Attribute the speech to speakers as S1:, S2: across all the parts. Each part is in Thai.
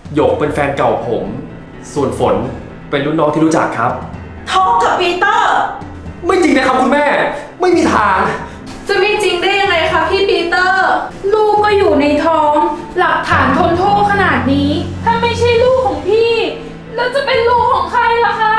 S1: หยกเป็นแฟนเก่าผม ส่วนฝนเป็นรุ่นน้องที่รู้จักครับ
S2: ท้องกับปีเตอร์
S1: ไม่จริงนะครับคุณแม่ ไม่มีทาง
S3: จะไม่จริงได้ยังไงคะพี่ปีเตอร์ ลูกก็อยู่ในท้อง หลักฐานทนโทษขนาดนี้ ถ้าไม่ใช่ลูกของพี่ แล้วจะเป็นลูกของใครล่ะคะ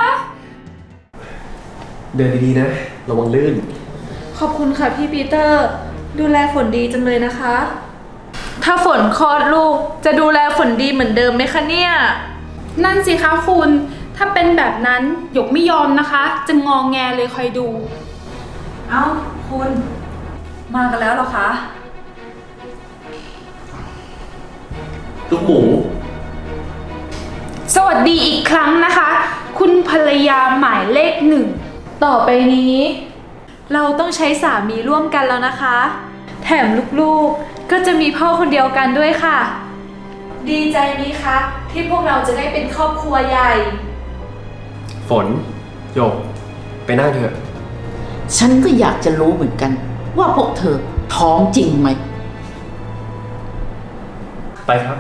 S1: เดินดีๆนะ ระวังลื่น
S3: ขอบคุณค่ะพี่ปีเตอร์ ดูแลฝนดีจังเลยนะคะ ถ้าฝนคลอดลูกจะดูแลฝนดีเหมือนเดิมไหมคะเนี่ย นั่นสิคะคุณ ถ้าเป็นแบบนั้นหยกไม่ยอมนะคะ จะงองแงเลยคอยดู
S2: เอ้าคุณ มากันแล้วเหรอคะ
S1: ลูกหมู
S3: สวัสดีอีกครั้งนะคะ คุณภรรยาหมายเลขหนึ่ง ต่อไปนี้ เราต้องใช้สามีร่วมกันแล้วนะคะ แถมลูกๆก็จะมีพ่อคนเดียวกันด้วยค่ะ ดีใจไหมคะที่พวกเราจะได้เป็นครอบครัวใหญ่
S1: ฝนหยก ไปนั่งเถอะ
S2: ฉันก็อยากจะรู้เหมือนกัน ว่าพวกเธอท้องจริงไหม
S1: ไปครับ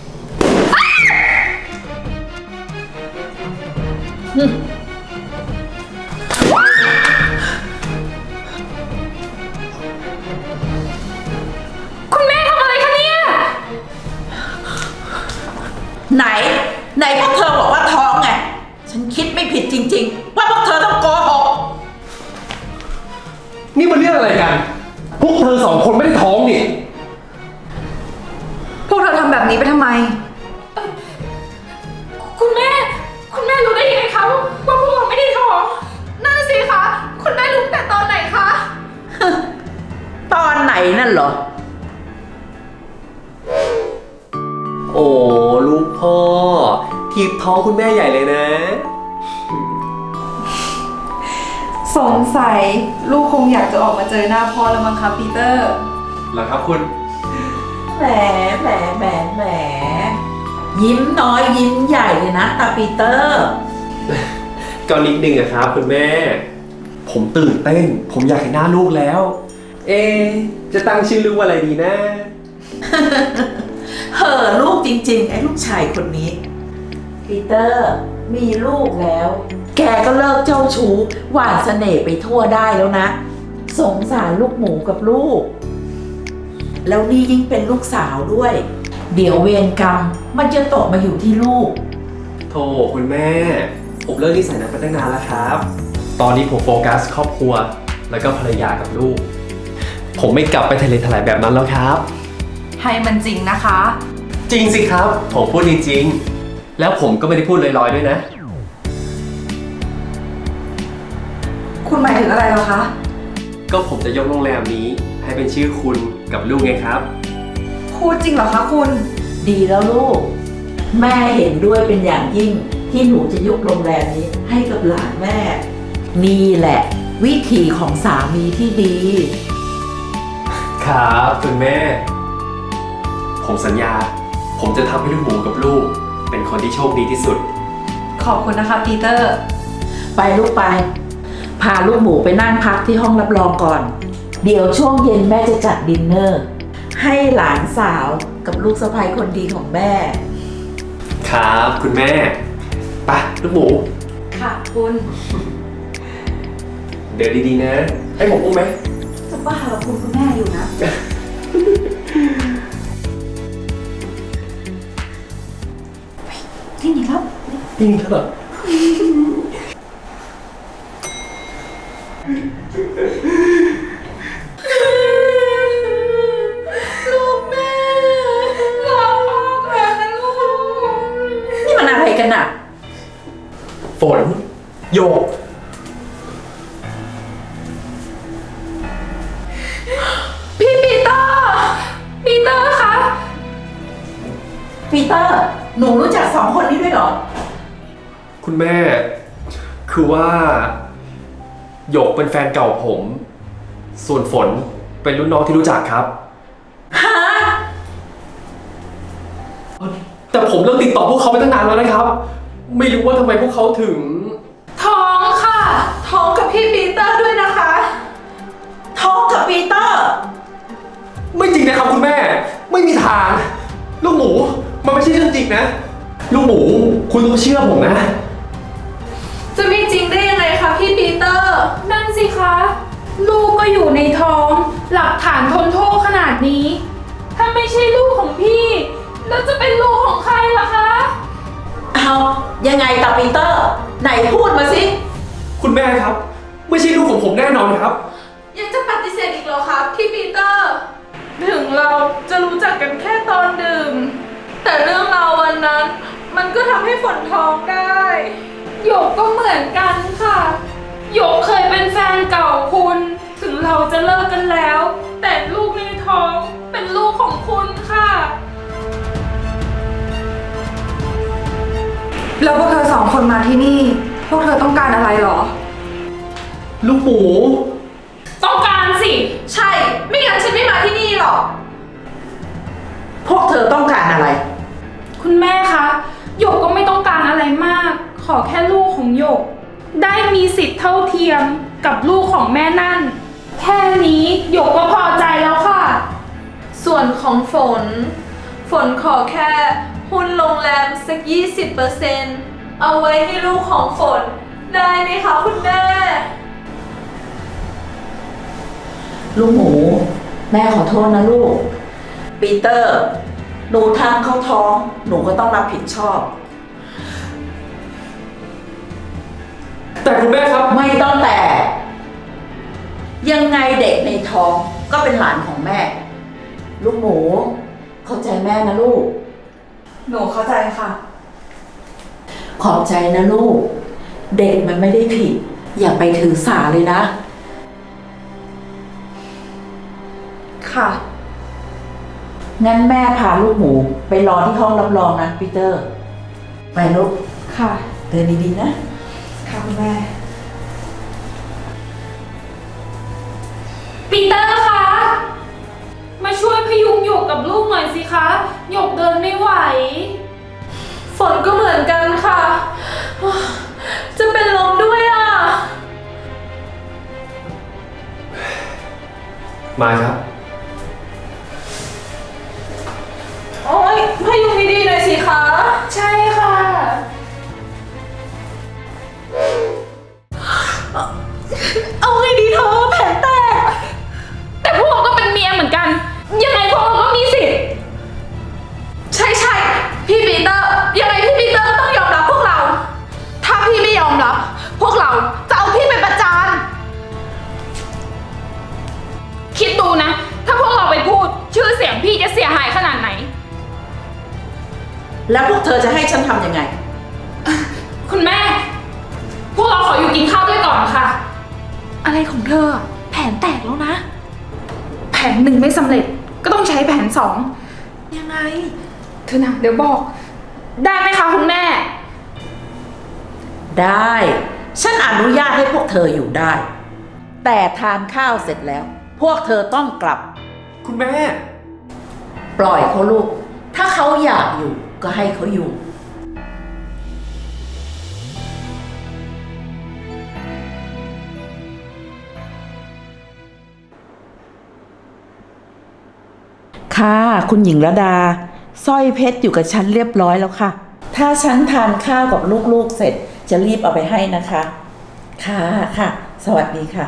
S3: คุณแม่ทำอะไรคะเนี่ย
S2: ไหนพวกเธอบอกว่าท้องไง ฉันคิดไม่ผิดจริงๆ ว่าพวกเธอต้องโกหก
S1: นี่มันเรื่องอะไรกัน พวกเธอสองคนไม่ได้ท้องนี่
S4: พวกเธอทำแบบนี้ไปทำไม
S3: คุณแม่รู้ได้ยังไงคะว่าพวกเราไม่ได้ท้องนั่นสิคะคุณแม่รู้แต่ตอนไหนคะ
S2: ตอนไหนนั่นเหรอ
S1: โอ้ลูกพ่อ ทีบท้องคุณแม่ใหญ่เลยนะ
S4: สงสัยลูกคงอยากจะออกมาเจอหน้าพ่อแล้วมั้งคะปีเตอร์
S1: เหรอครับคุณ
S2: แหม ยิ้มน้อยยิ้มใหญ่เลยนะตาปีเตอร์
S1: ก็นิดนึงอะครับคุณแม่ ผมตื่นเต้น ผมอยากเห็นหน้าลูกแล้ว เอะจะตั้งชื่อลูกว่าอะไรดีนะ
S2: เห่อลูกจริงๆ ไอ้ลูกชายคนนี้ ปีเตอร์มีลูกแล้ว แกก็เลิกเจ้าชู้หวานเสน่ห์ไปทั่วได้แล้วนะ สงสารลูกหมูกับลูก แล้วนี่ยิ่งเป็นลูกสาวด้วย เดี๋ยวเวรกรรมมันจะตกมาอยู่ที่ลูก
S1: โธ่คุณแม่ ผมเลิกนิสัยนั้นไปตั้งนานแล้วครับ ตอนนี้ผมโฟกัสครอบครัว แล้วก็ภรรยากับลูก ผมไม่กลับไปทะเลทลายแบบนั้นแล้วครับ
S4: ให้มันจริงนะคะ
S1: จริงสิครับ ผมพูดจริงๆ แล้วผมก็ไม่ได้พูดลอยๆด้วยนะ
S4: คุณหมายถึงอะไรเหรอคะ
S1: ก็ผมจะยกโรงแรมนี้ ให้เป็นชื่อคุณกับลูกไงครับ
S4: พูดจริงเหรอคะคุณ
S2: ดีแล้วลูก แม่เห็นด้วยเป็นอย่างยิ่งที่หนูจะยกโรงแรมนี้ให้กับหลานแม่ นี่แหละ วิธีของสามีที่ดี
S1: ครับคุณแม่ ผมสัญญา ผมจะทำให้ลูกหมูกับลูก เป็นคนที่โชคดีที่สุด
S4: ขอบคุณนะคะปีเตอร์
S2: ไปลูกไป พาลูกหมูไปนั่งพักที่ห้องรับรองก่อน เดี๋ยวช่วงเย็นแม่จะจัดดินเนอร์ ให้หลานสาวกับลูกสะใภ้คนดีของแม่
S1: ครับคุณแม่ไปลูกหมู
S4: ค่ะคุณ
S1: เดินดีๆนะ ให้ผมอุ้มไหม
S4: จะบ้าเหรอคุณแม่อยู่นะ ที่นี่ครับ
S1: จริงครับ
S3: ลูกแม่รอพ่อก่อนนะลูก
S2: นี่มันอะไรกันอะ
S1: ฝนโยก
S3: พี่ปีเตอร์คะ
S2: ปีเตอร์ หนูรู้จักสองคนนี้ด้วยเหรอ
S1: คุณแม่ คือว่าโยกเป็นแฟนเก่าผม ส่วนฝนเป็นรุ่นน้องที่รู้จักครับ
S2: ฮะ
S1: แต่ผมเลิกติดต่อพวกเขาไปตั้งนานแล้วนะครับ ไม่รู้ว่าทำไมพวกเขาถึง
S3: ท้องค่ะ ท้องกับพี่ปีเตอร์ด้วยนะคะ
S2: ท้องกับปีเตอร์
S1: ไม่จริงนะครับคุณแม่ ไม่มีทาง ลูกหมู มันไม่ใช่เรื่องจริงนะลูกหมูคุณต้องเชื่อผมนะ
S3: จะไม่จริงได้ยังไงคะพี่ปีเตอร์ นั่นสิคะ ลูกก็อยู่ในท้อง หลักฐานทนโทษขนาดนี้ ถ้าไม่ใช่ลูกของพี่ แล้วจะเป็นลูกของใครล่ะคะ
S2: เอายังไงกับปีเตอร์ ไหนพูดมาสิ
S1: คุณแม่ครับ ไม่ใช่ลูกของผมแน่นอนครับ
S3: ยังจะปฏิเสธอีกเหรอคะพี่ปีเตอร์ ถึงเราจะรู้จักกันแค่ตอนดื่ม แต่เรื่องราววันนั้น มันก็ทำให้ฝนท้องได้หยกก็เหมือนกันค่ะหยกเคยเป็นแฟนเก่าคุณ ถึงเราจะเลิกกันแล้ว แต่ลูกในท้องเป็นลูกของคุณค่ะ
S4: แล้วพวกเธอสองคนมาที่นี่ พวกเธอต้องการอะไรหรอ
S1: ลูกหมู
S3: ต้องการสิ ใช่ ไม่งั้นฉันไม่มาที่นี่หรอก
S2: พวกเธอต้องการอะไร
S3: คุณแม่คะหยกก็ไม่ต้องการอะไรมาก ขอแค่ลูกของหยก ได้มีสิทธิ์เท่าเทียมกับลูกของแม่นั่น แค่นี้หยกก็พอใจแล้วค่ะ ส่วนของฝนขอแค่หุ้นโรงแรมสัก 20%เอาไว้ให้ลูกของฝน ได้ไหมคะคุณแม่
S2: ลูกหมู แม่ขอโทษนะลูก ปีเตอร์ หนูทำเข้าท้อง หนูก็ต้องรับผิดชอบ
S1: แต่คุณแม่ครับ
S2: ไม่ต้องแต่ ยังไงเด็กในท้องก็เป็นหลานของแม่ ลูกหมู เข้าใจแม่นะลูก
S4: หนูเข้าใจค่ะ
S2: ขอบใจนะลูก เด็กมันไม่ได้ผิด อย่าไปถือสาเลยนะ
S4: ค่ะ
S2: งั้นแม่พาลูกหมูไปรอที่ห้องรับรองนะปีเตอร์ ไปลูก
S4: ค่ะ
S2: เดินดีๆนะ
S4: ค่ะคุณแม่
S3: ปีเตอร์คะ มาช่วยพยุงหยกกับลูกหน่อยสิคะหยกเดินไม่ไหว ฝนก็เหมือนกันค่ะ จะเป็นลมด้วยอ่ะ
S1: มาครับ
S3: โอ๊ยพยุงดีๆหน่อยสิคะ ใช่ค่ะ เอาไงดีเธอแผลแตก แต่พวกเราก็เป็นเมียเหมือนกัน ยังไงพวกเราก็มีสิทธิ์ ใช่พี่ปีเตอร์ ยังไงพี่ปีเตอร์ก็ต้องยอมรับพวกเรา ถ้าพี่ไม่ยอมรับ พวกเราจะเอาพี่ไปประจาน คิดดูนะ ถ้าพวกเราไปพูด ชื่อเสียงพี่จะเสียหายขนาดไหน
S2: แล้วพวกเธอจะให้ฉันทำยังไง
S3: คุณแม่ พวกเราขออยู่กินข้าวด้วยก่อนค่ะ อะไรของเธอ แผนแตกแล้วนะ แผนหนึ่งไม่สำเร็จ ก็ต้องใช้แผนสอง ยังไง เธอนะเดี๋ยวบอก ได้ไหมคะคุณแม่
S2: ได้ ฉันอนุญาตให้พวกเธออยู่ได้ แต่ทานข้าวเสร็จแล้ว พวกเธอต้องกลับ
S1: คุณแม่
S2: ปล่อยเขาลูก ถ้าเขาอยากอยู่ก็ให้เขาอยู่ ค่ะ คุณหญิงระดาสร้อยเพชรอยู่กับฉันเรียบร้อยแล้วค่ะ ถ้าฉันทานข้าวกับลูกๆเสร็จจะรีบเอาไปให้นะคะ ค่ะค่ะ สวัสดีค่ะ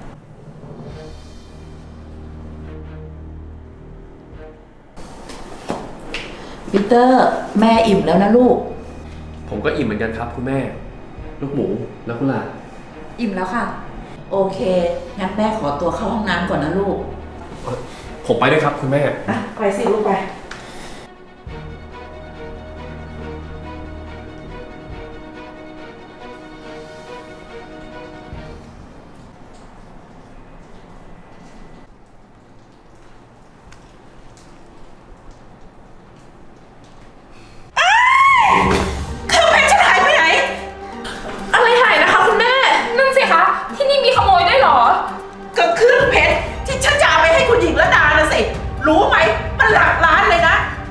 S2: ปีเตอร์ แม่อิ่มแล้วนะลูก
S1: ผมก็อิ่มเหมือนกันครับ คุณแม่ ลูกหมูแล้วคุณล่ะ
S4: อิ่มแล้วค่ะ
S2: โอเค งั้นแม่ขอตัวเข้าห้องน้ำก่อนนะลูก
S1: ผมไปด้วยครับ คุณแม่
S2: อ่ะ ไปสิลูกไป
S3: อะไรหายนะคะคุณแม่ นั่นสิคะ ที่นี่มีขโมยด้วยเหรอ
S2: ก็เครื่องเพชรที่ฉันจะเอาไปให้คุณหญิงระดานะสิ รู้ไหม มันหลักล้านเลยนะ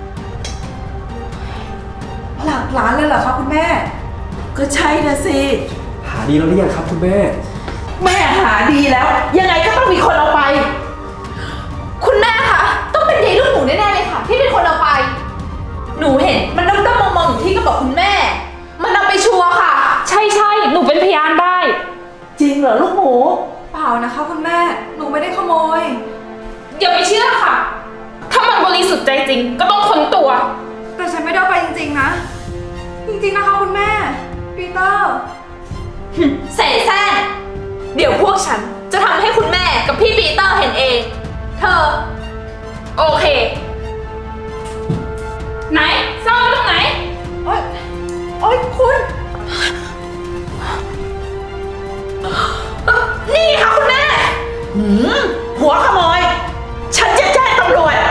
S4: หลักล้านเลยเหรอคะคุณแม่
S2: ก็ใช่นะสิ
S1: หาดีแล้วหรือยังครับ คุณแม่
S2: แม่หาดีแล้ว ยังไงก็ต้องมีคนเอาไป
S3: คุณแม่คะ ต้องเป็นยายลูกหมูแน่ๆเลยค่ะ ที่เป็นคนเอาไป หนูเห็นมันด้อมๆมองๆอยู่ที่กระเป๋าคุณแม่
S4: ริงๆนะ จริงๆนะคะคุณแม่ ปีเตอร์
S3: เสแสร้งเดี๋ยวพวกฉันจะทำให้คุณแม่กับพี่ปีเตอร์เห็นเอง เธอ โอเค ไหนซ่อนไว้ตรงไหน
S4: โอ๊ย โอ๊ยคุณ
S3: นี่ค่ะคุณแม่
S2: หัวขโมย ฉันจะแจ้งตำรวจ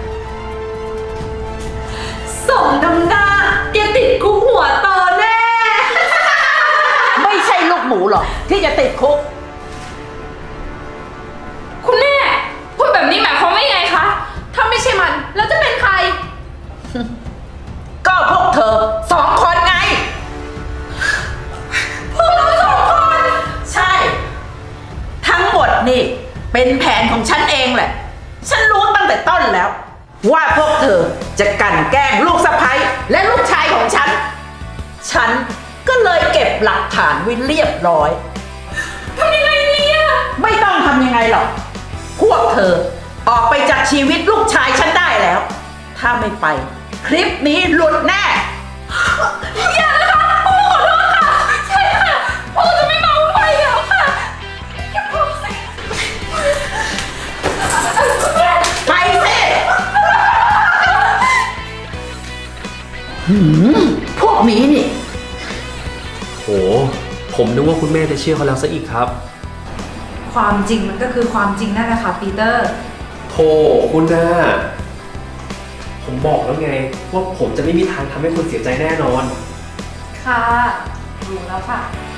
S3: สมน้ำหน้าแกติดคุกหัวโตแน่
S2: ไม่ใช่ลูกหมูหรอกที่จะติดคุก
S3: คุณแม่ พูดแบบนี้หมายความว่ายังไงคะ ถ้าไม่ใช่มัน แล้วจะเป็นใคร
S2: ก็พวกเธอสองคนไง
S3: พวกเราสองคน
S2: ใช่ ทั้งหมดนี่เป็นแผนของฉันเองแหละ ฉันรู้ตั้งแต่ต้นแล้ว ว่าพวกเธอจะกลั่นแกล้งลูกสะใภ้และลูกชายของฉัน ฉันก็เลยเก็บหลักฐานไว้เรียบร้อย
S3: ทำยังไงดีอะ
S2: ไม่ต้องทำยังไงหรอก พวกเธอออกไปจากชีวิตลูกชายฉันได้แล้ว ถ้าไม่ไป คลิปนี้หลุดแน่
S3: อย่านะคะพวกขอโทษค่ะ ใช่ค่ะพวกจะไม่เมาไปแล้วค่ะอย่าพูดสิ
S2: ไปสิพวกนี้นี่
S1: โห ผมนึกว่าคุณแม่จะเชื่อเขาแล้วซะอีกครับ
S4: ความจริงมันก็คือความจริงนั่นแหละค่ะปีเตอร์
S1: โธ่คุณน่าผมบอกแล้วไง ว่าผมจะไม่มีทางทำให้คุณเสียใจแน่นอน
S4: ค่ะ รู้แล้วค่ะ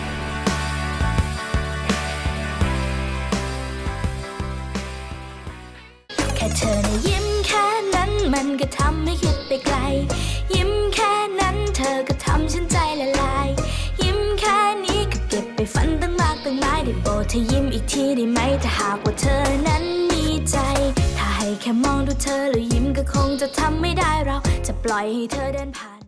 S5: แค่เธอนะยิ้มแค่นั้นมันก็ทำให้คิดไปไกล ยิ้มแค่นั้นเธอก็ทำฉันใจละลาย ยิ้มแค่นี้ก็เก็บไปฝันตั้งมากตั้งหลายได้โปรดเธอยิ้มอีกทีได้ไหมถ้าหากว่าเธอนั้นมีใจ ถ้าให้แค่มองดูเธอแล้วยิ้มก็คงจะทำไม่ได้เราจะปล่อยให้เธอเดินผ่าน